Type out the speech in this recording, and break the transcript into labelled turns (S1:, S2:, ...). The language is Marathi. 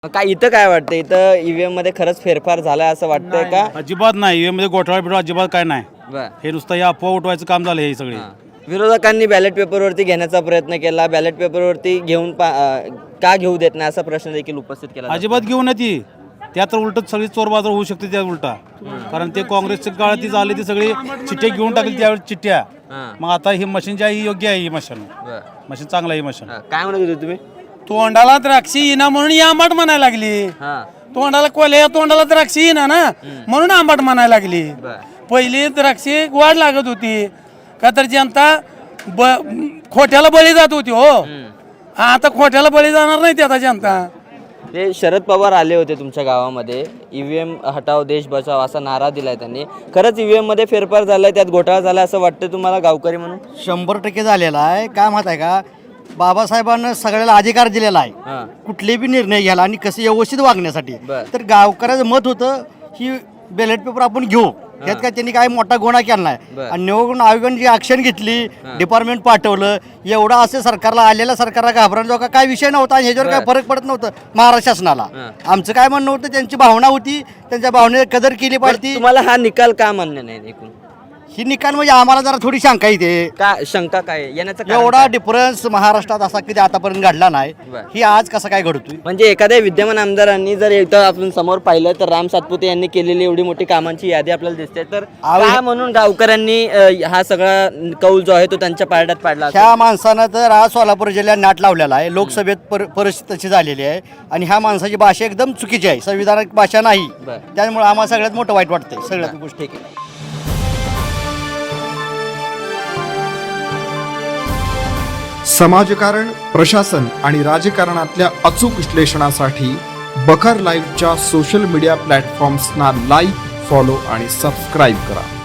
S1: काय इथं काय वाटतं, इथं ईव्हीएम मध्ये खरंच फेरफार झालाय असं वाटतंय का?
S2: अजिबात नाही. ईव्हीएम मध्ये घोटाळा बिटाळा अजिबात काय नाही.
S1: बरं.
S2: हे नुसतं या अफवा उठवायचं काम झालं हे सगळे.
S1: विरोधकांनी बॅलेट पेपरवरती घेण्याचा प्रयत्न केला, बॅलेट पेपरवरती का घेऊ देत नाही असा प्रश्न देखील उपस्थित केला.
S2: अजिबात घेऊन ती त्या तर उलट सगळी चोर बाजार होऊ शकते त्या उलटा. कारण ते काँग्रेसच्या काळात ती झाली ती सगळी चिठ्ठ्या घेऊन टाकली त्यावेळी चिठ्ठ्या. मग आता ही मशीन जी आहे ही योग्य आहे. ही मशीन चांगलं आहे. ही मशीन
S1: काय म्हणत होते तुम्ही?
S3: तोंडाला द्राक्षी येईना म्हणून ही आंबाट म्हणायला लागली. तोंडाला कोल्या तोंडाला द्राक्षी येईना ना म्हणून आंबाट म्हणायला लागली. पहिली द्राक्षी गोड लागत होती का तर जनता खोट्याला बळी जात होती. हो आता खोट्याला बळी जाणार नाही ती आता जनता.
S1: ते शरद पवार आले होते तुमच्या गावामध्ये, ईव्हीएम हटाव देश बचाव असा नारा दिलाय त्यांनी. खरंच ईव्हीएम मध्ये फेरफार झालाय, त्यात घोटाळा झालाय असं वाटतं तुम्हाला गावकरी म्हणून?
S4: 100% झालेला आहे. काय माहित आहे का, बाबासाहेबांना सगळ्याला अधिकार दिलेला आहे कुठले बी निर्णय घ्यायला आणि कसे व्यवस्थित वागण्यासाठी. तर गावकऱ्याचं मत होतं ही बॅलेट पेपर आपण घेऊ, त्यात काय त्यांनी काय मोठा गुन्हा केला नाही. आणि निवडणूक आयोगाने जी ऍक्शन घेतली, डिपार्टमेंट पाठवलं, एवढा असे सरकारला आलेल्या सरकारला घाबरण्याचा काय विषय नव्हता आणि ह्याच्यावर काय फरक पडत नव्हतं महाराष्ट्र शासनाला. आमचं काय म्हणणं होतं, त्यांची भावना होती, त्यांच्या भावनेची कदर केली पाहिजे.
S1: तुम्हाला हा निकाल का मान्य नाही एकूण?
S4: ही निकाल म्हणजे आम्हाला जरा थोडी शंका येते.
S1: का शंका काय येण्याचं कारण
S4: एवढा
S1: काय?
S4: डिफरन्स महाराष्ट्रात असा कधी आतापर्यंत घडला नाही. ही आज कसा काय घडतोय?
S1: म्हणजे एखाद्या विद्यमान आमदारांनी जर एकदा आपण समोर पाहिलं तर राम सातपुते यांनी केलेली एवढी मोठी कामांची यादी आपल्याला दिसते. तर काय म्हणून गावकऱ्यांनी हा सगळा कौल जो आहे तो त्यांच्या पारड्यात पाडला?
S4: ह्या माणसानं तर आज सोलापूर जिल्ह्यात नाट लावलेला आहे. लोकसभेत परिस्थिती तशी झालेली आहे आणि ह्या माणसाची भाषा एकदम चुकीची आहे, संविधानिक भाषा नाही. त्यामुळे आम्हाला सगळ्यात मोठं वाईट वाटतंय सगळ्यात गोष्टी.
S1: ठीक आहे.
S5: समाजकारण, प्रशासन आणि राजकारणातल्या अचूक विश्लेषणासाठी बखर लाईव्हच्या सोशल मीडिया प्लॅटफॉर्म्सना लाईक, फॉलो आणि सबस्क्राईब करा.